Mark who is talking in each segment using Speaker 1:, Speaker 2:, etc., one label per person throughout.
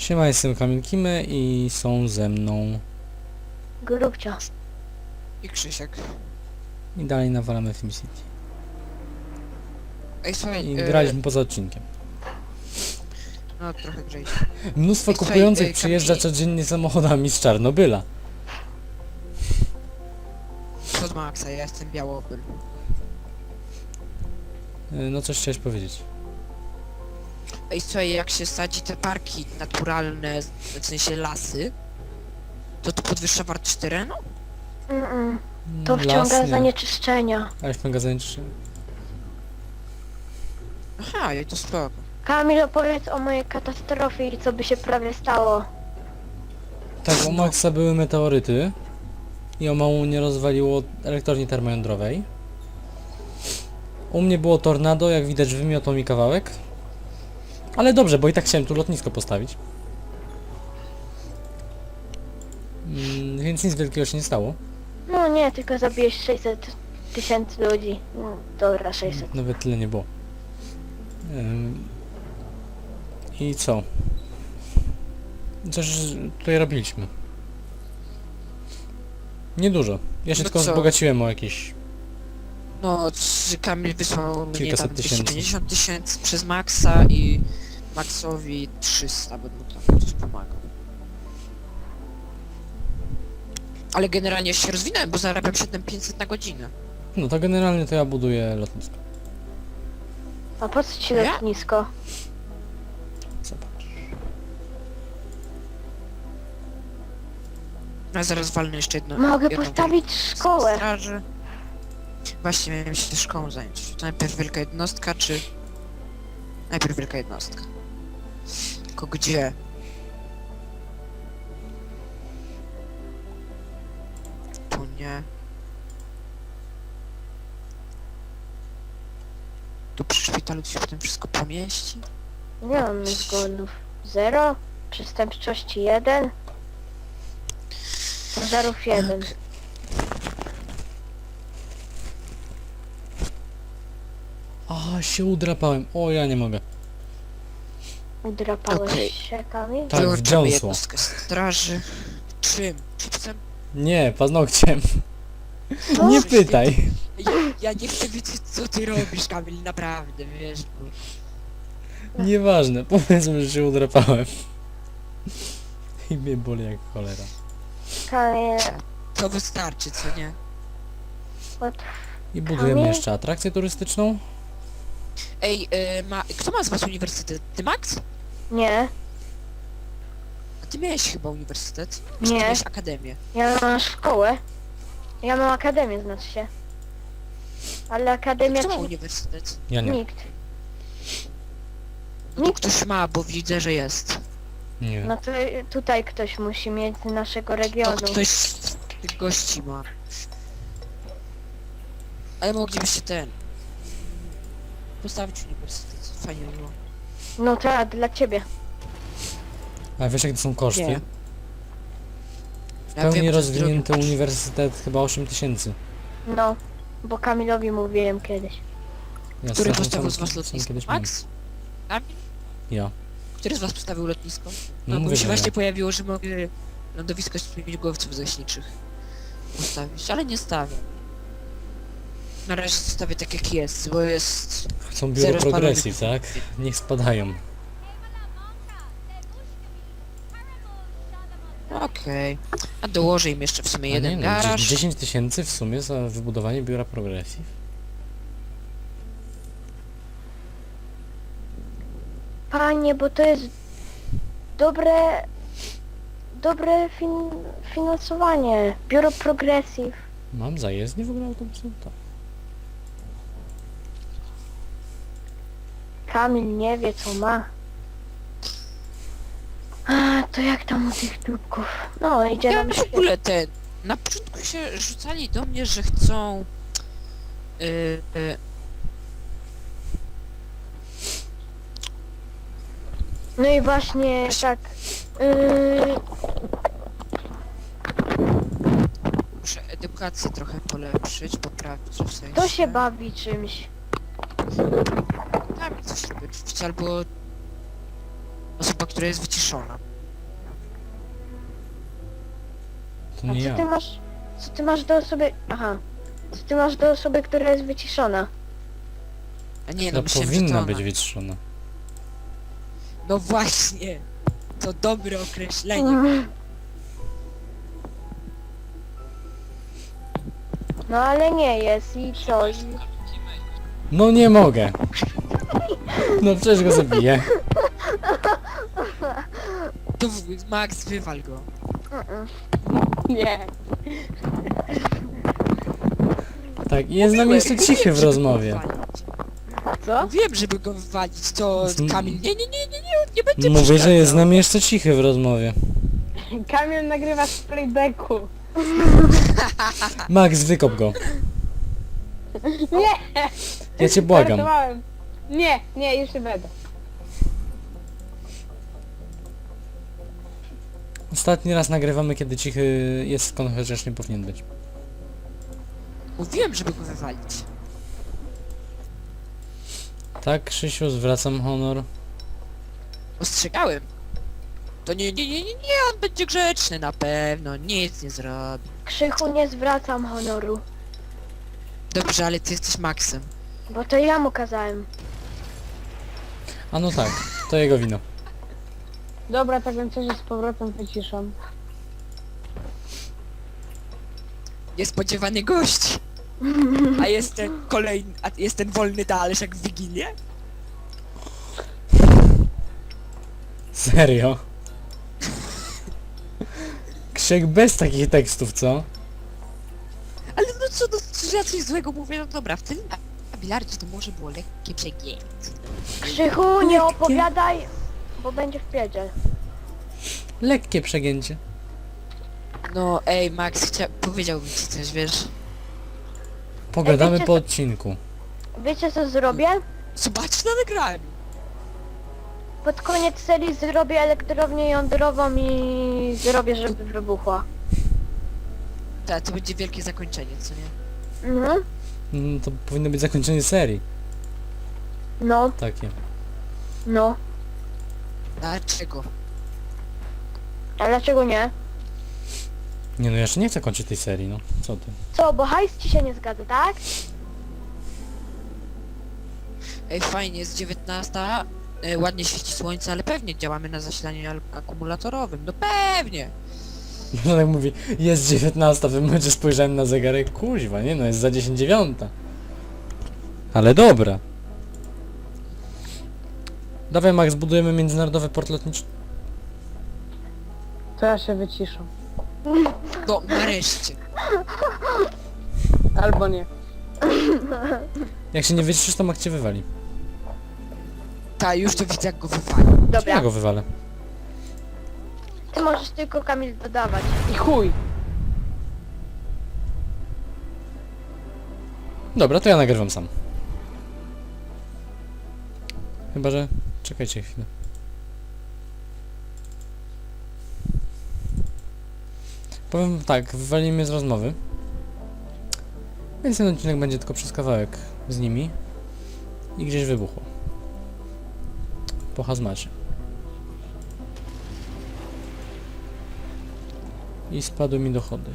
Speaker 1: Siema, jestem Kamil Kimy i są ze mną
Speaker 2: Grubcio.
Speaker 3: I Krzysiek.
Speaker 1: i dalej nawalamy SimCity.
Speaker 3: Ej, słuchaj,
Speaker 1: I graliśmy poza odcinkiem.
Speaker 3: no trochę grzej.
Speaker 1: Mnóstwo
Speaker 3: Ej, słuchaj,
Speaker 1: kupujących przyjeżdża
Speaker 3: Kamil-
Speaker 1: codziennie samochodami z Czarnobyla.
Speaker 3: Co z Maxa? Ja jestem Białopol.
Speaker 1: No coś chciałeś powiedzieć.
Speaker 3: Ej, słuchaj, jak się sadzi te parki naturalne, w sensie lasy, to podwyższa wartość terenu?
Speaker 2: To wciąga
Speaker 1: Las, nie.
Speaker 2: zanieczyszczenia.
Speaker 1: Ale w magazynie czy...
Speaker 3: Aha, i to spoko.
Speaker 2: Kamil, opowiedz o mojej katastrofie i co by się prawie stało.
Speaker 1: Tak, u Maxa były meteoryty i o mało nie rozwaliło elektrowni termojądrowej. U mnie było tornado, jak widać wymiotą mi kawałek. Ale dobrze, bo i tak chciałem tu lotnisko postawić. Więc nic wielkiego się nie stało.
Speaker 2: No nie, tylko zabiłeś 600 tysięcy ludzi. No, dobra, 600.
Speaker 1: Nawet tyle nie było. I co? Coś tutaj robiliśmy. Niedużo. Ja się
Speaker 3: No
Speaker 1: tylko
Speaker 3: co?
Speaker 1: wzbogaciłem o jakieś...
Speaker 3: No, Kamil wysłał mnie
Speaker 1: Kilkaset
Speaker 3: tam
Speaker 1: tysięcy.
Speaker 3: 250 tysięcy przez Maxa i Maxowi 300, bo mu tam coś pomagał. Ale generalnie się rozwinąłem, bo zarabiam 7500 na godzinę.
Speaker 1: No to generalnie to ja buduję lotnisko.
Speaker 2: A po co ci
Speaker 3: Ja?
Speaker 2: lotnisko?
Speaker 1: Zobacz.
Speaker 3: Ja zaraz walnę jeszcze jedno.
Speaker 2: Mogę
Speaker 3: jedną
Speaker 2: postawić szkołę.
Speaker 3: straży. Właśnie miałem się szkołą zająć. To najpierw wielka jednostka, czy... Najpierw wielka jednostka. Tylko gdzie? Tu nie. Tu przy szpitalu się potem wszystko pomieści?
Speaker 2: Nie mam zgonów. 0. Przestępczości 1. Pożarów 1.
Speaker 1: A, się udrapałem. O, ja nie mogę.
Speaker 2: Udrapałeś
Speaker 3: Okej.
Speaker 2: się, Kamil?
Speaker 1: Tak,
Speaker 3: Wyłączamy
Speaker 1: wdziąsło.
Speaker 3: jednostkę straży. Czym? Chipsem?
Speaker 1: Nie, paznokciem.
Speaker 2: Co?
Speaker 1: Nie pytaj.
Speaker 3: Ja nie chcę wiedzieć, co ty robisz, Kamil, naprawdę, wiesz, bo...
Speaker 1: Nieważne, powiedzmy, że się udrapałem. I mnie boli jak cholera.
Speaker 2: Kamil,
Speaker 3: To wystarczy, co nie?
Speaker 1: I budujemy
Speaker 2: Kamil?
Speaker 1: jeszcze atrakcję turystyczną.
Speaker 3: Ej, kto ma z was uniwersytet? Ty, Max?
Speaker 2: nie.
Speaker 3: A ty miałeś chyba uniwersytet? Czy ty
Speaker 2: Nie.
Speaker 3: miałeś akademię?
Speaker 2: Ja mam szkołę. Ja mam akademię, znaczy się. Ale akademia
Speaker 3: Kto ma
Speaker 2: ci...
Speaker 3: uniwersytet?
Speaker 1: Ja nie.
Speaker 2: Nikt.
Speaker 3: No to
Speaker 2: Nikt.
Speaker 3: ktoś ma, bo widzę, że jest.
Speaker 1: Nie.
Speaker 2: No to tutaj ktoś musi mieć z naszego
Speaker 3: No
Speaker 2: regionu.
Speaker 3: ktoś z tych gości ma. Ale moglibyście postawić uniwersytet. Fajnie by było.
Speaker 2: No tak, dla ciebie.
Speaker 1: A wiesz jak to są koszty?
Speaker 3: Nie.
Speaker 1: W
Speaker 3: Ja
Speaker 1: pełni
Speaker 3: wiem, to jest
Speaker 1: rozwinięty
Speaker 3: drogie.
Speaker 1: uniwersytet chyba 8000.
Speaker 2: No, bo Kamilowi mówiłem kiedyś.
Speaker 1: Ja
Speaker 3: Który
Speaker 1: sam-
Speaker 3: postawił z
Speaker 1: sam-
Speaker 3: was
Speaker 1: sam
Speaker 3: lotnisko?
Speaker 1: kiedyś miałem.
Speaker 3: Max? Kamil?
Speaker 1: Ja.
Speaker 3: Który z was postawił lotnisko?
Speaker 1: No
Speaker 3: No bo
Speaker 1: mówię,
Speaker 3: mi się
Speaker 1: że
Speaker 3: właśnie
Speaker 1: ja.
Speaker 3: pojawiło, że mogę lądowisko śmigłowców zaśniczych postawić, ale nie stawiam. Na razie zostawię tak jak jest, bo jest...
Speaker 1: Chcą biuro
Speaker 3: zero
Speaker 1: progresji,
Speaker 3: spalonych.
Speaker 1: tak? Niech spadają.
Speaker 3: Okej. A dołożę im jeszcze w sumie
Speaker 1: A
Speaker 3: jeden
Speaker 1: nie, no,
Speaker 3: garaż.
Speaker 1: 10 tysięcy w sumie za wybudowanie biura progresji.
Speaker 2: Panie, bo to jest dobre... Dobre finansowanie. Biuro Progressive.
Speaker 1: Mam zajezdnię w ogóle autobusem? Tak.
Speaker 2: Kamil nie wie co ma. A, to jak tam u tych dupków? No, idzie
Speaker 3: Ja
Speaker 2: nam
Speaker 3: w ogóle na początku się rzucali do mnie, że chcą...
Speaker 2: No i właśnie tak...
Speaker 3: Muszę edukację trochę polepszyć, poprawić w sensie...
Speaker 2: To się bawi czymś.
Speaker 3: Tam coś robić, albo... Osoba, która jest wyciszona.
Speaker 1: To
Speaker 2: A
Speaker 1: nie
Speaker 2: co
Speaker 1: ja.
Speaker 2: ty masz... Co ty masz do osoby... Aha. Co ty masz do osoby, która jest wyciszona?
Speaker 3: A nie,
Speaker 1: To
Speaker 3: no myślałem, że to
Speaker 1: powinna
Speaker 3: ona.
Speaker 1: być wytrzona.
Speaker 3: No właśnie. To dobre określenie.
Speaker 2: No ale nie jest i co?
Speaker 1: No nie mogę. No przecież go zabiję.
Speaker 3: To Max, wywal go.
Speaker 4: Nie.
Speaker 1: Tak, i jest z nami jeszcze cichy w
Speaker 3: Żeby
Speaker 1: rozmowie.
Speaker 3: go wywalić.
Speaker 4: Co?
Speaker 3: Wiem, żeby go wywalić, to
Speaker 1: Z-
Speaker 3: Kamil. Nie, on nie będzie
Speaker 1: Mówię, że jest z
Speaker 3: przeszkadzał.
Speaker 1: nami jeszcze cichy w rozmowie.
Speaker 4: Kamil nagrywa z playbacku.
Speaker 1: Max, wykop go.
Speaker 4: Nie!
Speaker 1: Ja cię błagam.
Speaker 4: Żartowałem. Nie, jeszcze będę.
Speaker 1: Ostatni raz nagrywamy, kiedy cichy jest skąd chociaż nie powinien być.
Speaker 3: Mówiłem, żeby go wywalić.
Speaker 1: Tak, Krzysiu, zwracam honor.
Speaker 3: Ostrzegałem. To nie, on będzie grzeczny na pewno, nic nie zrobi.
Speaker 2: Krzychu, nie zwracam honoru.
Speaker 3: Dobrze, ale ty jesteś Maxem.
Speaker 2: Bo to ja mu kazałem.
Speaker 1: A no tak, to jego wino.
Speaker 4: Dobra, tak więc się z powrotem wyciszam.
Speaker 3: Niespodziewany gość. A jest ten kolejny, a jest ten wolny talerz jak w Wigilię?
Speaker 1: Serio? Krzyk bez takich tekstów, co?
Speaker 3: Ale no co, no, że ja coś złego mówię, no dobra, w tym na bilardzie to może było lekkie przegięcie.
Speaker 2: Krzychu, nie opowiadaj, bo będzie w pierdziel.
Speaker 1: Lekkie przegięcie.
Speaker 3: No ej, Max, powiedziałbym ci coś, wiesz?
Speaker 1: Pogadamy
Speaker 2: wiecie
Speaker 1: po
Speaker 2: co-
Speaker 1: odcinku.
Speaker 2: Wiecie co zrobię?
Speaker 3: Zobacz na nagraniu.
Speaker 2: Pod koniec serii zrobię elektrownię jądrową i zrobię, żeby wybuchła.
Speaker 3: Tak, to będzie wielkie zakończenie, co nie?
Speaker 2: Mhm.
Speaker 1: To powinno być zakończenie serii.
Speaker 2: No,
Speaker 1: Takie.
Speaker 2: no.
Speaker 3: Dlaczego?
Speaker 2: A dlaczego nie?
Speaker 1: Nie no, ja jeszcze nie chcę kończyć tej serii, no. Co ty?
Speaker 2: Co, bo hajs ci się nie zgadza, tak?
Speaker 3: Ej, fajnie, jest 19, ładnie świeci słońce, ale pewnie działamy na zasilaniu akumulatorowym, no pewnie!
Speaker 1: No tak mówi, jest 19, w tym momencie spojrzałem na zegarek, kuźwa, nie no, jest za 10:09. Ale dobra. Dawaj Max, budujemy międzynarodowy port lotniczy.
Speaker 4: To ja się wyciszam.
Speaker 3: No, nareszcie.
Speaker 4: Albo nie.
Speaker 1: Jak się nie wyciszysz, to Max cię wywali.
Speaker 3: Ta, już to widzę jak go wywali.
Speaker 1: Czy ja
Speaker 2: Dobra,
Speaker 1: go wywalę?
Speaker 2: ty możesz tylko, Kamil, dodawać.
Speaker 4: I chuj.
Speaker 1: Dobra, to ja nagrywam sam. Chyba, że... Czekajcie chwilę. Powiem tak, wywalili mnie z rozmowy. Więc ten odcinek będzie tylko przez kawałek z nimi. I gdzieś wybuchło. Po hazmacie. I spadły mi dochody.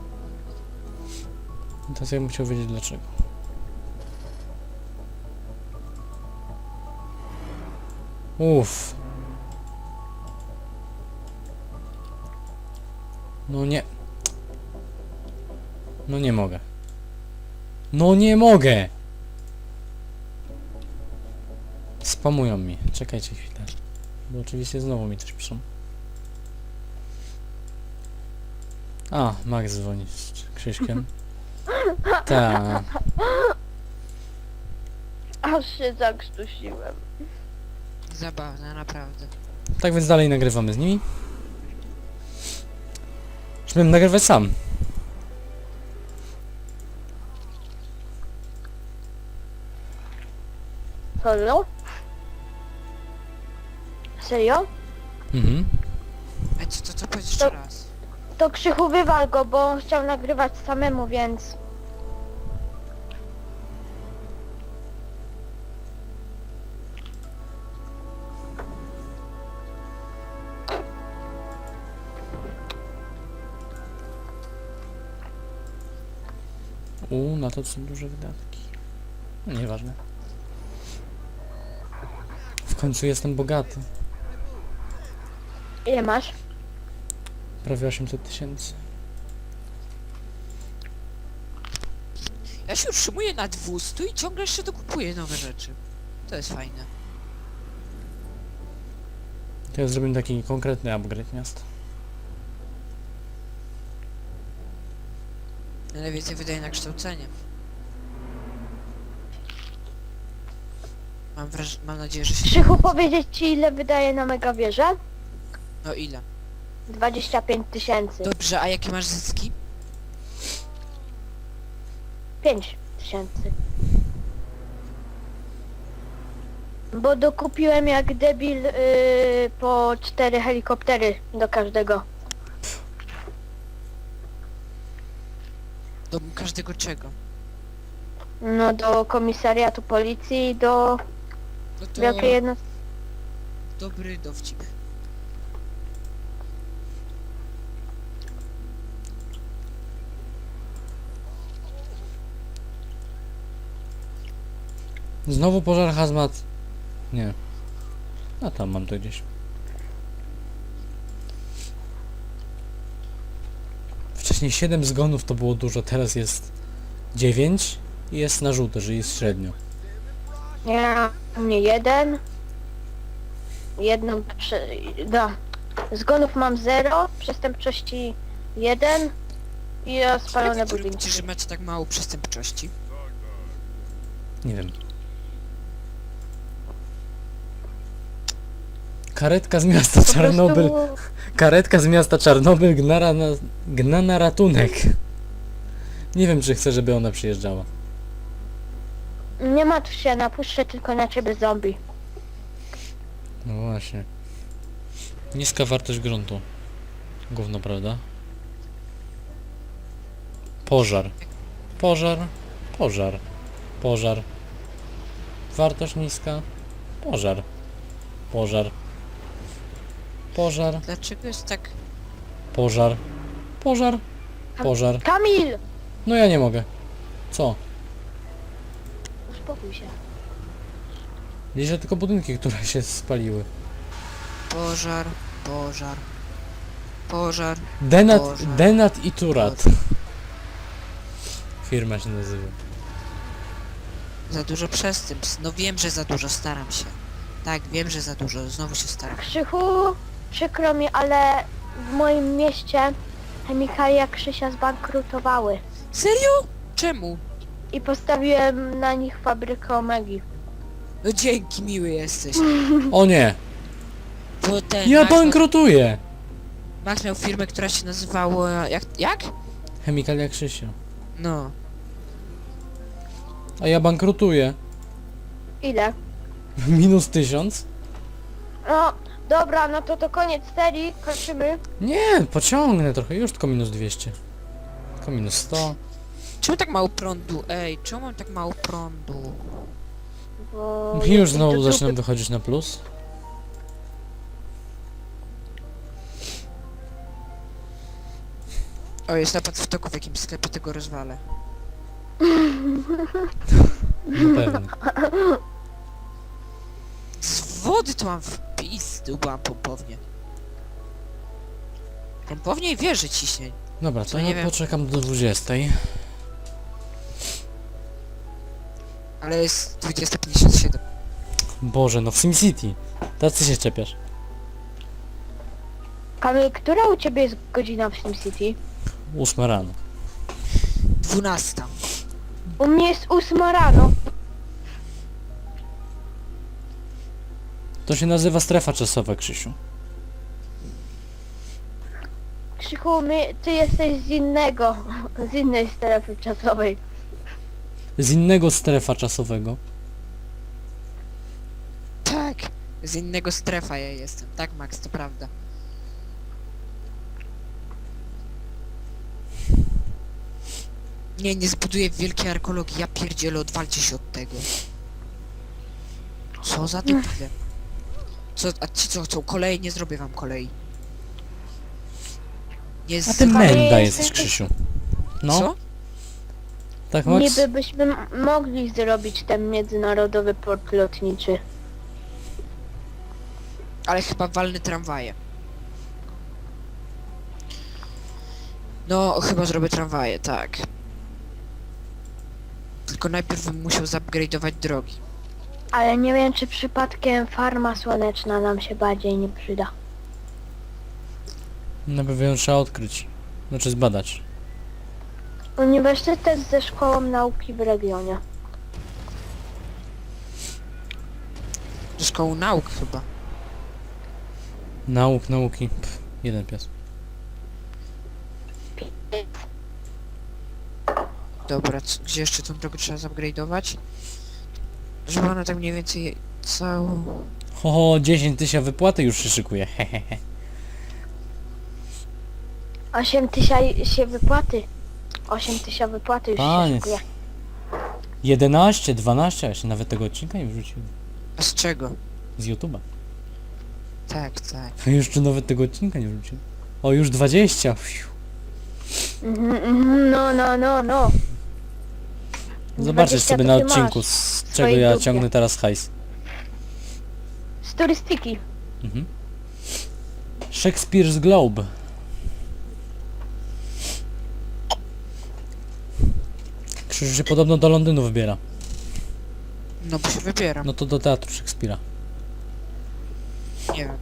Speaker 1: I teraz ja bym chciał wiedzieć dlaczego. Uff. No nie. No nie mogę. No nie mogę! Spamują mi. Czekajcie chwilę. Bo oczywiście znowu mi coś piszą. A, Max dzwoni z Krzyśkiem. Tak.
Speaker 2: Aż się zakrztusiłem.
Speaker 3: Zabawne, naprawdę.
Speaker 1: Tak więc dalej nagrywamy z nimi. Już miałem nagrywać sam.
Speaker 2: Solo? Serio?
Speaker 1: Mhm.
Speaker 3: A co powiedz jeszcze raz?
Speaker 2: To Krzychu, wywal go, bo on chciał nagrywać samemu, więc...
Speaker 1: Na to są duże wydatki. No nieważne. W końcu jestem bogaty.
Speaker 2: Ile masz?
Speaker 1: Prawie 800 000.
Speaker 3: Ja się utrzymuję na 200 i ciągle jeszcze dokupuję nowe rzeczy. To jest fajne.
Speaker 1: To ja zrobię taki konkretny upgrade miasta.
Speaker 3: Najwięcej wydaje na kształcenie. Mam nadzieję, że się...
Speaker 2: Krzychu, powiedzieć ci ile wydaje na megawieżę?
Speaker 3: No ile?
Speaker 2: 25 000.
Speaker 3: Dobrze, a jakie masz zyski?
Speaker 2: 5 000. Bo dokupiłem jak debil po 4 helikoptery do każdego.
Speaker 3: Do każdego czego?
Speaker 2: No do komisariatu policji, do
Speaker 3: No to
Speaker 2: wielkiej jednostki.
Speaker 3: dobry dowcip.
Speaker 1: Znowu pożar hazmat. Nie. A tam mam to gdzieś. Wcześniej 7 zgonów to było dużo, teraz jest 9 i jest na żółto, że jest średnio.
Speaker 2: Ja, u mnie jeden. Jedną zgonów mam 0, przestępczości 1 i spalone
Speaker 3: Jak wy
Speaker 2: budynki.
Speaker 3: robicie, że macie tak mało przestępczości?
Speaker 1: Nie wiem. Karetka z miasta
Speaker 2: Po
Speaker 1: Czarnobyl.
Speaker 2: prostu
Speaker 1: Karetka z miasta Czarnobyl gna na ratunek. Nie wiem, czy chcę, żeby ona przyjeżdżała.
Speaker 2: nie martw się, napuszczę tylko na ciebie zombie.
Speaker 1: No właśnie. Niska wartość gruntu. Gówno, prawda? Pożar. Pożar. Pożar. Pożar. Wartość niska. Pożar. Pożar. Pożar.
Speaker 3: Dlaczego jest tak...
Speaker 1: Pożar. Pożar. Pożar.
Speaker 2: Kamil!
Speaker 1: No ja nie mogę. Co?
Speaker 2: Uspokój się.
Speaker 1: Liczę tylko budynki, które się spaliły.
Speaker 3: Pożar, pożar, pożar.
Speaker 1: Denat,
Speaker 3: Pożar.
Speaker 1: Denat i Turat. Firma się nazywa.
Speaker 3: Za dużo przestępstw. No wiem, że za dużo, staram się. Tak, wiem, że za dużo, znowu się staram.
Speaker 2: Krzychu, przykro mi, ale w moim mieście chemikalia Krzysia zbankrutowały.
Speaker 3: Serio? Czemu?
Speaker 2: I postawiłem na nich fabrykę Omegi.
Speaker 3: No dzięki, miły jesteś.
Speaker 1: O nie!
Speaker 3: Bo ten
Speaker 1: Ja
Speaker 3: Max
Speaker 1: bankrutuję!
Speaker 3: Max miał firmę, która się nazywała... Jak?
Speaker 1: Chemikalia Krzysia.
Speaker 3: No.
Speaker 1: A ja bankrutuję.
Speaker 2: Ile?
Speaker 1: Minus 1000?
Speaker 2: No, dobra, no to koniec serii, kończymy.
Speaker 1: Nie, pociągnę trochę. Już tylko minus 200. Tylko minus 100.
Speaker 3: Czemu tak mało prądu? Ej, czemu mam tak mało prądu?
Speaker 2: Bo
Speaker 1: I już
Speaker 2: jesteś
Speaker 1: znowu
Speaker 2: do
Speaker 1: zaczynam
Speaker 2: dupy.
Speaker 1: wychodzić na plus.
Speaker 3: O, jest napad w toku w jakimś sklepie, tego rozwalę.
Speaker 1: No pewnie.
Speaker 3: Z wody to mam wpis, byłam pompownię. Pompownię i wieży ciśnień.
Speaker 1: Dobra, to
Speaker 3: To nie
Speaker 1: ja
Speaker 3: wiem.
Speaker 1: poczekam do 20.
Speaker 3: Ale jest 20:57.
Speaker 1: Boże, no w SimCity. Tacy się czepiasz.
Speaker 2: Kamil, która u ciebie jest godzina w SimCity?
Speaker 1: 8 rano.
Speaker 3: 12.
Speaker 2: U mnie jest 8 rano.
Speaker 1: To się nazywa strefa czasowa, Krzysiu.
Speaker 2: Krzychu, ty jesteś z innej strefy czasowej.
Speaker 1: Z innego strefa czasowego.
Speaker 3: Tak, z innego strefa ja jestem. Tak, Max, to prawda. Nie zbuduję wielkiej arkologii, ja pierdzielę, odwalcie się od tego. Co za dupile. A ci co chcą kolei? Nie zrobię wam kolei. Nie
Speaker 1: A ty
Speaker 3: z...
Speaker 1: menda
Speaker 2: jesteś-
Speaker 1: jesteś, Krzysiu. No,
Speaker 3: Co?
Speaker 1: Tak, Max?
Speaker 2: Niby byśmy mogli zrobić ten międzynarodowy port lotniczy.
Speaker 3: Ale chyba walny tramwaje. No, chyba zrobię tramwaje, tak. Tylko najpierw bym musiał zupgrade'ować drogi.
Speaker 2: Ale nie wiem, czy przypadkiem farma słoneczna nam się bardziej nie przyda.
Speaker 1: Na pewno ją trzeba odkryć. Znaczy zbadać.
Speaker 2: Uniwersytet ze szkołą nauki w regionie.
Speaker 3: Do szkoły nauk chyba.
Speaker 1: Nauki. Jeden pies.
Speaker 3: Dobra, gdzie jeszcze tą drogę trzeba zupgrade'ować? Żeby ona tak mniej więcej całą...
Speaker 1: Ho, 10 tysięcy wypłaty już się szykuje. Hehehe.
Speaker 2: 8 tysięcy się wypłaty. 8 tysięcy wypłaty już
Speaker 1: Panie.
Speaker 2: się szykuje.
Speaker 1: 11, 12, a jeszcze nawet tego odcinka nie wrzuciłem.
Speaker 3: A z czego?
Speaker 1: Z YouTube'a.
Speaker 3: Tak, tak.
Speaker 1: Jeszcze nawet tego odcinka nie wrzuciłem. O, już 20. Fiu.
Speaker 2: No.
Speaker 1: Zobaczysz
Speaker 2: 20
Speaker 1: sobie
Speaker 2: to
Speaker 1: na
Speaker 2: ty
Speaker 1: odcinku,
Speaker 2: masz
Speaker 1: z
Speaker 2: w
Speaker 1: czego
Speaker 2: swojej
Speaker 1: ja
Speaker 2: dupie.
Speaker 1: ciągnę teraz hajs.
Speaker 2: Z turystyki.
Speaker 1: Mhm. Shakespeare's Globe. Krzyż się podobno do Londynu wybiera.
Speaker 3: No bo się wybieram.
Speaker 1: No to do teatru Szekspira.
Speaker 3: Nie wiem.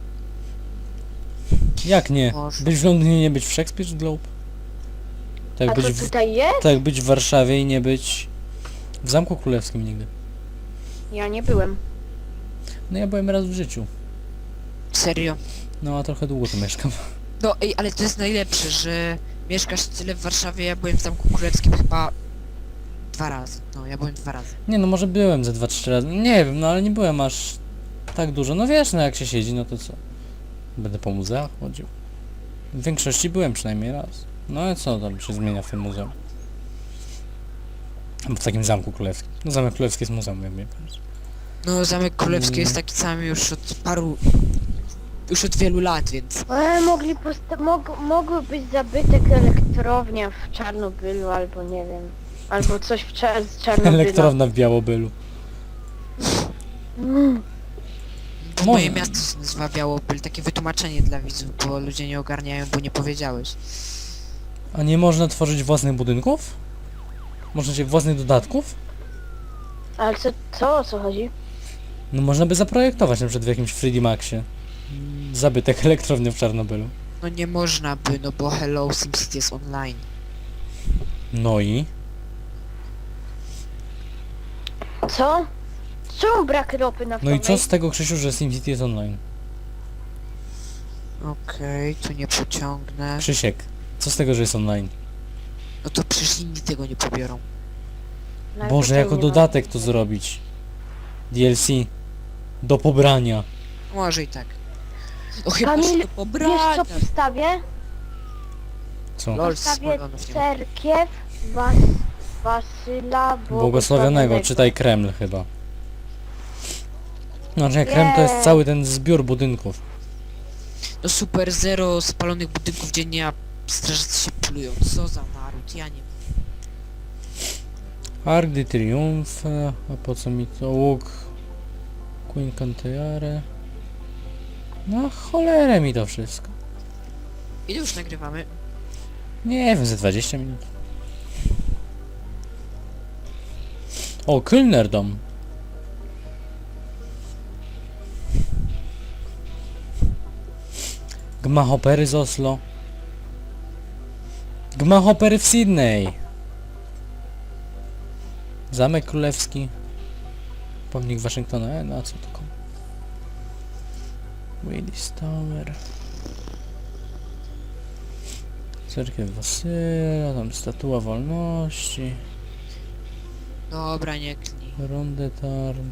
Speaker 1: Jak nie?
Speaker 3: Może.
Speaker 1: Być w Londynie, nie być w Shakespeare's Globe? Tak
Speaker 2: A
Speaker 1: być,
Speaker 2: co tutaj jest?
Speaker 1: tak być w Warszawie i nie być w Zamku Królewskim nigdy.
Speaker 2: Ja nie byłem.
Speaker 1: No ja byłem raz w życiu.
Speaker 3: Serio.
Speaker 1: No a trochę długo tu mieszkam.
Speaker 3: No ej, ale to jest najlepsze, że mieszkasz tyle w Warszawie, ja byłem w Zamku Królewskim chyba 2 razy. No, ja byłem 2 razy.
Speaker 1: Nie no, może byłem ze 2-3 razy. Nie wiem, no ale nie byłem aż tak dużo. No wiesz, no jak się siedzi, no to co? Będę po muzeach chodził. W większości byłem przynajmniej raz. No i co tam się zmienia w tym muzeum? W takim Zamku Królewskim. No Zamek Królewski jest muzeum, jak mnie powiesz.
Speaker 3: No, Zamek Królewski jest taki sam już od paru... Już od wielu lat, więc...
Speaker 2: Mogły być zabytek elektrownia w Czarnobylu, albo nie wiem. Albo coś z Czarnobyla.
Speaker 1: Elektrowna w Białobylu.
Speaker 3: Bo
Speaker 1: Może.
Speaker 3: moje miasto się nazywa Białobyl, takie wytłumaczenie dla widzów, bo ludzie nie ogarniają, bo nie powiedziałeś.
Speaker 1: A nie można tworzyć własnych budynków? Można się własnych dodatków?
Speaker 2: Ale co o co chodzi?
Speaker 1: No można by zaprojektować na przykład w jakimś 3D Maxie. Zabytek elektrowni w Czarnobylu.
Speaker 3: No nie można by, no bo Hello SimCity jest online.
Speaker 1: No i?
Speaker 2: Co? Czemu brak ropy
Speaker 1: No
Speaker 2: naftowej?
Speaker 1: i co z tego, Krzysiu, że SimCity jest online?
Speaker 3: Okej, tu nie pociągnę.
Speaker 1: Krzysiek, co z tego, że jest online?
Speaker 3: No to przecież inni tego nie pobiorą.
Speaker 1: Boże, jako dodatek to zrobić. DLC. Do pobrania.
Speaker 3: Może i tak. No chyba
Speaker 2: Kamil,
Speaker 3: się do
Speaker 2: Wiesz
Speaker 3: pobrania.
Speaker 2: co postawię?
Speaker 1: Co?
Speaker 3: Lol,
Speaker 2: Postawię
Speaker 3: Smolonów nie ma.
Speaker 2: cerkiew Wasyla
Speaker 1: Błogosławionego, czytaj Kreml chyba. Znaczy nie, Kreml to jest
Speaker 2: Nie.
Speaker 1: cały ten zbiór budynków.
Speaker 3: No super, 0 spalonych budynków dziennie, a strażacy się plują. Co za naród, ja nie wiem.
Speaker 1: Arc de Triomphe, a po co mi to łuk? Queen Canteare. No cholerę mi to wszystko.
Speaker 3: Ile już nagrywamy?
Speaker 1: Nie wiem, ze 20 minut. O, Kölnerdom. Gmachopery z Oslo. Gmachopery w Sydney. Zamek Królewski. Pomnik Waszyngtona. No a co to komu? Willis Tower. Cerkiew Wasyla, tam Statua Wolności.
Speaker 3: Dobra, nie klnij.
Speaker 1: Ronde Tarn.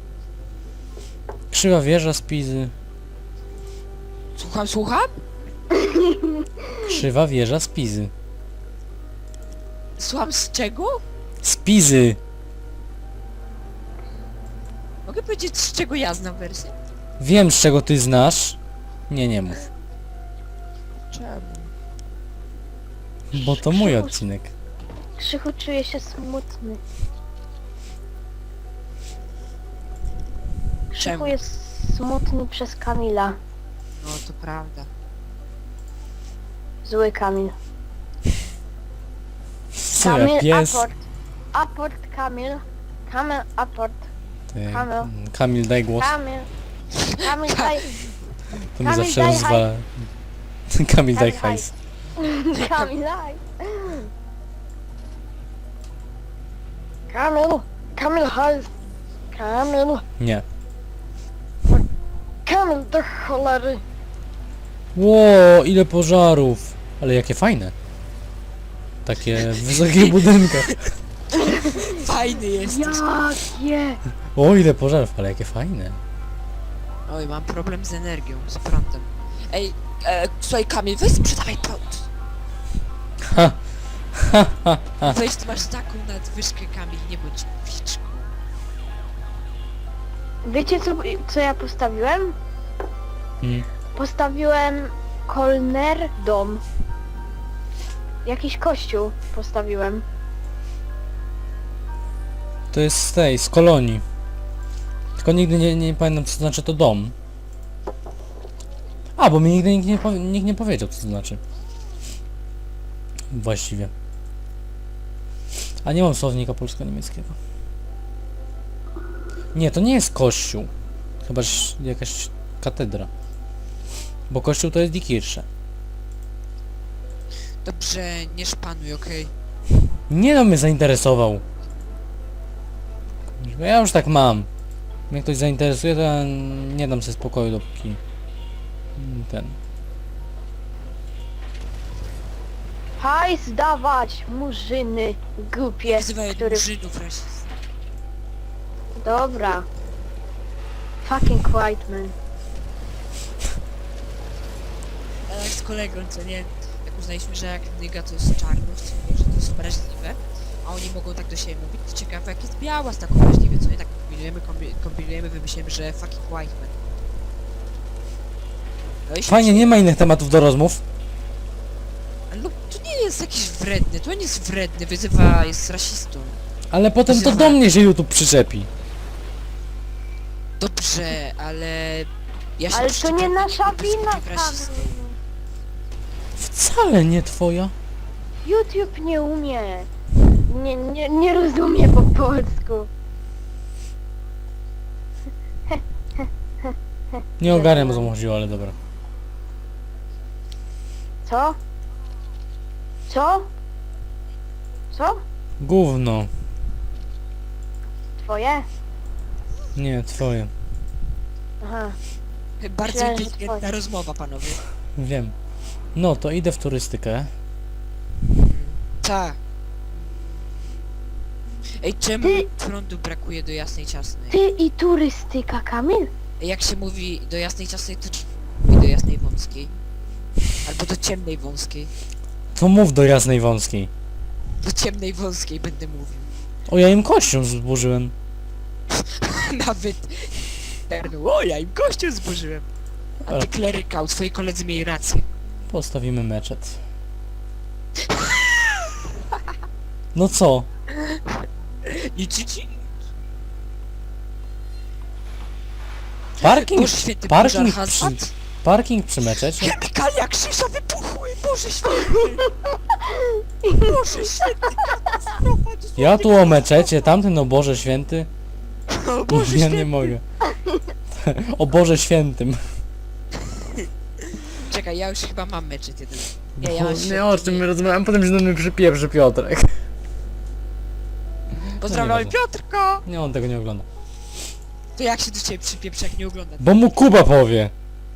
Speaker 1: Krzywa wieża z Pizy.
Speaker 3: Słucham, słucham?
Speaker 1: Krzywa wieża z Pizy.
Speaker 3: Słucham z czego?
Speaker 1: Z Pizy!
Speaker 3: Mogę powiedzieć, z czego ja znam wersję?
Speaker 1: Wiem, z czego ty znasz. Nie, nie mów.
Speaker 3: Czemu?
Speaker 1: Bo to mój odcinek.
Speaker 2: Krzychu czuje się smutny. Krzychu
Speaker 3: Czemu?
Speaker 2: jest smutny przez Kamila.
Speaker 3: No to prawda.
Speaker 2: Zły Kamil.
Speaker 1: Co
Speaker 2: Kamil,
Speaker 1: ja, pies?
Speaker 2: aport. Aport Kamil. Kamil, aport.
Speaker 1: Ty,
Speaker 2: Kamil.
Speaker 1: Kamil, daj głos.
Speaker 2: Kamil. Kamil, daj.
Speaker 1: To mi
Speaker 2: Kamil,
Speaker 1: zawsze
Speaker 2: daj
Speaker 1: rozwala. Kamil, daj
Speaker 2: Kamil,
Speaker 1: hajs.
Speaker 2: Kamil, daj. Kamil. Kamil, haj. Kamil.
Speaker 1: Nie.
Speaker 2: Kamil, do cholery.
Speaker 1: Ło, ile pożarów. Ale jakie fajne. Takie w wysokich budynkach.
Speaker 3: Fajny jesteś.
Speaker 2: Jakie?
Speaker 1: O, ile pożarów, ale jakie fajne.
Speaker 3: Oj, mam problem z energią, z prądem. Ej, słuchaj Kamil, weź sprzedawaj prąd.
Speaker 1: Ha.
Speaker 3: Weź, ty masz taką nadwyżkę, Kamil, nie bądź piczką.
Speaker 2: Wiecie co ja postawiłem?
Speaker 1: Mm.
Speaker 2: Postawiłem Kolner dom. Jakiś kościół postawiłem.
Speaker 1: To jest z tej, z kolonii. Tylko nigdy nie pamiętam, co znaczy to dom. A, bo mi nigdy nikt nie powiedział, co to znaczy. Właściwie. A nie mam słownika polsko-niemieckiego. Nie, to nie jest kościół. Chyba jakaś katedra. Bo kościół to jest Die Kirche.
Speaker 3: Dobrze, nie szpanuj, okej?
Speaker 1: Nie no, mnie zainteresował. Bo ja już tak mam. Mnie ktoś zainteresuje, to ja nie dam sobie spokoju, dopóki ten.
Speaker 2: Hajs dawać, murzyny, głupie,
Speaker 3: Nazywaj
Speaker 2: który...
Speaker 3: murzynów rasistów.
Speaker 2: Dobra. Fucking white man.
Speaker 3: Ale jak z kolegą, co nie? Jak uznaliśmy, że jak nyga to jest czarność, co nie, że to jest wrażliwe, a oni mogą tak do siebie mówić, to ciekawe jak jest biała z taką wrażliwie, co nie? Tak kombinujemy, wymyślimy, że fucking white man. No i
Speaker 1: Fajnie, nie ma innych tematów do rozmów.
Speaker 3: Ale no, to nie jest jakiś wredny, to nie jest wredny, jest rasistą.
Speaker 1: Ale potem to do mnie się YouTube przyczepi.
Speaker 3: Dobrze, ale... Ja się
Speaker 2: Ale to
Speaker 3: przyczepiam
Speaker 2: nie
Speaker 3: do
Speaker 2: nasza
Speaker 3: niego,
Speaker 2: wina,
Speaker 3: jest rasistą.
Speaker 2: Kamil.
Speaker 1: Wcale nie twoja.
Speaker 2: YouTube nie umie. Nie rozumie po polsku.
Speaker 1: Nie ogarniam, o co mu chodziło, ale dobra.
Speaker 2: Co? Co? Co?
Speaker 1: Gówno.
Speaker 2: Twoje?
Speaker 1: Nie, twoje.
Speaker 2: Aha.
Speaker 3: Bardzo
Speaker 2: Myślałem, że
Speaker 3: inteligentna
Speaker 2: twoje.
Speaker 3: rozmowa, panowie.
Speaker 1: Wiem. No, to idę w turystykę.
Speaker 3: Tak. Ej, czemu
Speaker 2: Ty-
Speaker 3: prądu brakuje do jasnej ciasnej?
Speaker 2: Ty i turystyka, Kamil?
Speaker 3: Jak się mówi do jasnej ciasnej, to mówi do jasnej wąskiej. Albo do ciemnej wąskiej.
Speaker 1: To mów do jasnej wąskiej.
Speaker 3: Do ciemnej wąskiej będę mówił.
Speaker 1: O, ja im kością zburzyłem.
Speaker 3: Nawet... O, ja im kościół zburzyłem. A
Speaker 1: Ale-
Speaker 3: ty klerykał, twoi koledzy mieli rację.
Speaker 1: Postawimy meczet. No co?
Speaker 3: I ci.
Speaker 1: Parking,
Speaker 3: Boże święty,
Speaker 1: parking
Speaker 3: pożar
Speaker 1: przy,
Speaker 3: hazard.
Speaker 1: parking przy meczecie?
Speaker 3: Chemikalia Krzyża wybuchły! Boże święty! Boże święty! Katastrofa!
Speaker 1: Ja tu o meczecie, tamten o Boże Święty.
Speaker 3: O Boże
Speaker 1: Ja
Speaker 3: święty!
Speaker 1: nie mogę. O Boże Świętym.
Speaker 3: Czekaj, ja już chyba mam meczet jeden. Nie, ja mam
Speaker 1: Nie,
Speaker 3: świetny.
Speaker 1: o czym my rozmawiamy, potem się do mnie przypieprzy Piotrek.
Speaker 3: Pozdrawiam
Speaker 1: No nieważne.
Speaker 3: Piotrka!
Speaker 1: Nie, on tego nie ogląda.
Speaker 3: To jak się do ciebie przypieprzy, jak nie ogląda?
Speaker 1: Bo mu Kuba powie.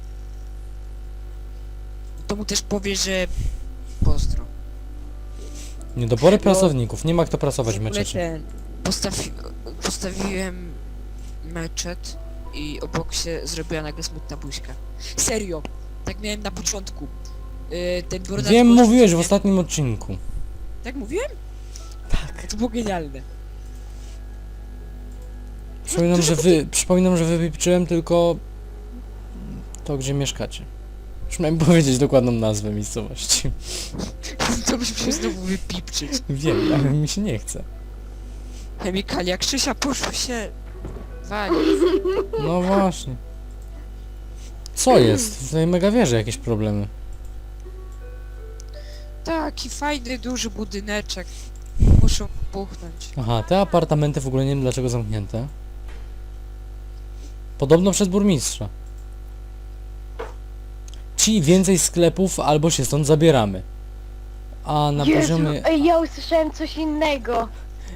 Speaker 3: To mu też powie, że... Pozdro.
Speaker 1: Niedobory pracowników, nie ma kto pracować w
Speaker 3: W ogóle
Speaker 1: meczecie.
Speaker 3: Postawiłem meczet i obok się zrobiła nagle smutna buźka. Serio! Tak miałem na początku. Ten brodarz
Speaker 1: Wiem,
Speaker 3: poszedł,
Speaker 1: mówiłeś w
Speaker 3: nie?
Speaker 1: ostatnim odcinku.
Speaker 3: Tak mówiłem? Tak. To było genialne.
Speaker 1: Przypominam, że wypieprzyłem tylko to, gdzie mieszkacie. Przynajmniej powiedzieć dokładną nazwę miejscowości.
Speaker 3: To byśmy się znowu wypipczyć.
Speaker 1: Wiem, ale mi się nie chce.
Speaker 3: Chemikalia Krzysia poszło się... Wali.
Speaker 1: No właśnie. Co jest? W tej mega wieży jakieś problemy.
Speaker 3: Taki fajny, duży budyneczek. Muszą puchnąć.
Speaker 1: Aha, te apartamenty w ogóle nie wiem dlaczego zamknięte. Podobno przez burmistrza. Ci więcej sklepów albo się stąd zabieramy. A na
Speaker 2: Jezu,
Speaker 1: poziomie...
Speaker 2: ej, ja usłyszałem coś innego.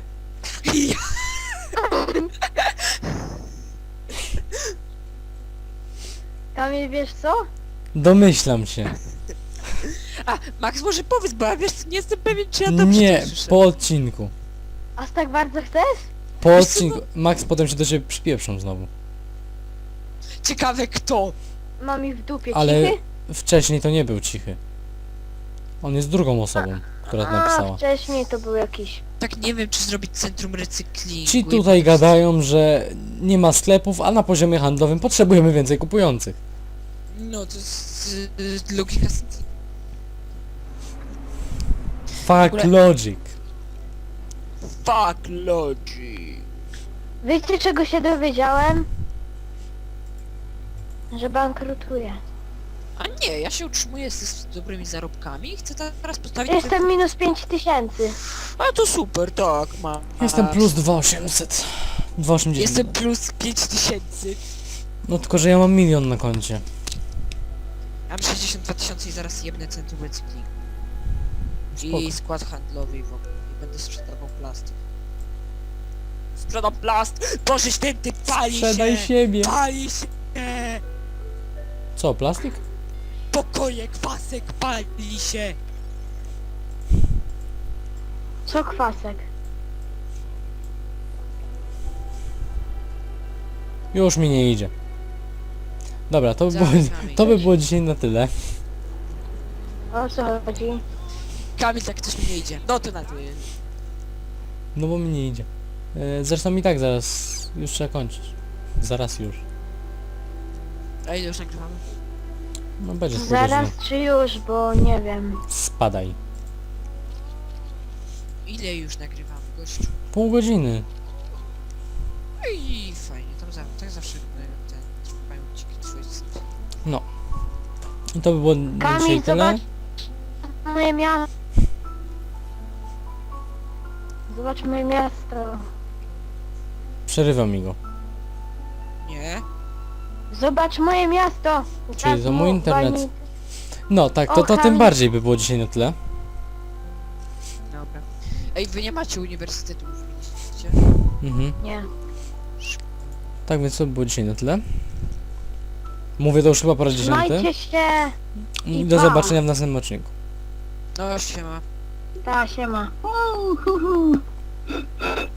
Speaker 2: Kamil, wiesz co?
Speaker 1: Domyślam się.
Speaker 3: A, Max może powiedz, bo ja wiesz, nie jestem pewien, czy ja dobrze
Speaker 1: Nie,
Speaker 3: to słyszę.
Speaker 1: po odcinku.
Speaker 2: Aż tak bardzo chcesz?
Speaker 1: Po
Speaker 3: Wiesz co,
Speaker 1: odcinku. Max potem się do ciebie przypieprzą znowu.
Speaker 3: Ciekawe kto.
Speaker 2: Mam ich w dupie,
Speaker 1: Ale
Speaker 2: cichy?
Speaker 1: wcześniej to nie był cichy. On jest drugą osobą, która to
Speaker 2: A,
Speaker 1: napisała.
Speaker 2: wcześniej to był jakiś...
Speaker 3: Tak nie wiem, czy zrobić centrum recyklingu.
Speaker 1: Ci
Speaker 3: i
Speaker 1: tutaj
Speaker 3: po prostu-
Speaker 1: gadają, że nie ma sklepów, a na poziomie handlowym potrzebujemy więcej kupujących.
Speaker 3: No, to jest logika...
Speaker 1: Fuck
Speaker 3: ogóle-
Speaker 1: logic.
Speaker 3: Fuck logic.
Speaker 2: Wiecie czego się dowiedziałem? Że bankrutuję.
Speaker 3: A nie, ja się utrzymuję z dobrymi zarobkami i chcę teraz postawić...
Speaker 2: Jestem minus 5000.
Speaker 3: A to super, tak, ma.
Speaker 1: Jestem plus 2800. 280.
Speaker 3: Jestem plus 5000.
Speaker 1: No tylko, że ja mam 1 000 000 na koncie.
Speaker 3: Mam 62 000 i zaraz jebnę centrum recyklingu.
Speaker 1: Spoko.
Speaker 3: I skład handlowy i w ogóle. I będę sprzedawał plast. Sprzedam plast! Boże święty, pali
Speaker 1: Sprzedaj
Speaker 3: się!
Speaker 1: siebie.
Speaker 3: Pali się!
Speaker 1: Co, plastik?
Speaker 3: Pokoje, kwasek, pali się!
Speaker 2: Co kwasek?
Speaker 1: Już mi nie idzie. Dobra, to by, było,
Speaker 3: Zaraz mamy
Speaker 1: to by
Speaker 3: iść.
Speaker 1: było dzisiaj na tyle.
Speaker 2: O co chodzi?
Speaker 3: Kamil, tak coś mi nie idzie. No to na to.
Speaker 1: No bo mi nie idzie. Zresztą i tak zaraz już trzeba kończyć. Zaraz już.
Speaker 3: A ile już nagrywamy?
Speaker 1: No będzie pół
Speaker 2: Zaraz
Speaker 1: godziny.
Speaker 2: czy już, bo nie wiem.
Speaker 1: Spadaj.
Speaker 3: Ile już nagrywamy, gościu?
Speaker 1: Pół godziny.
Speaker 3: No i fajnie, tam tak zawsze ten trwają ci twoje...
Speaker 1: I to by było na
Speaker 2: Kamil,
Speaker 1: dzisiaj tyle.
Speaker 2: zobacz moje miasto. Zobacz moje miasto.
Speaker 1: Przerywam mi go.
Speaker 3: Nie?
Speaker 2: Zobacz moje miasto.
Speaker 1: Czyli to mój
Speaker 2: mu
Speaker 1: internet.
Speaker 2: walnij-
Speaker 1: No tak,
Speaker 2: O,
Speaker 1: to tym
Speaker 2: Kamil.
Speaker 1: bardziej by było dzisiaj na tyle.
Speaker 3: Dobra. Ej, wy nie macie uniwersytetu, mówiliście?
Speaker 1: Mhm.
Speaker 2: Nie.
Speaker 1: Tak więc to by było dzisiaj na tyle. Mówię to już chyba po raz 10.
Speaker 2: Trzymajcie się.
Speaker 1: I
Speaker 2: i
Speaker 1: do
Speaker 2: pa.
Speaker 1: zobaczenia w następnym odcinku.
Speaker 3: No, siema.
Speaker 2: Ta, siema.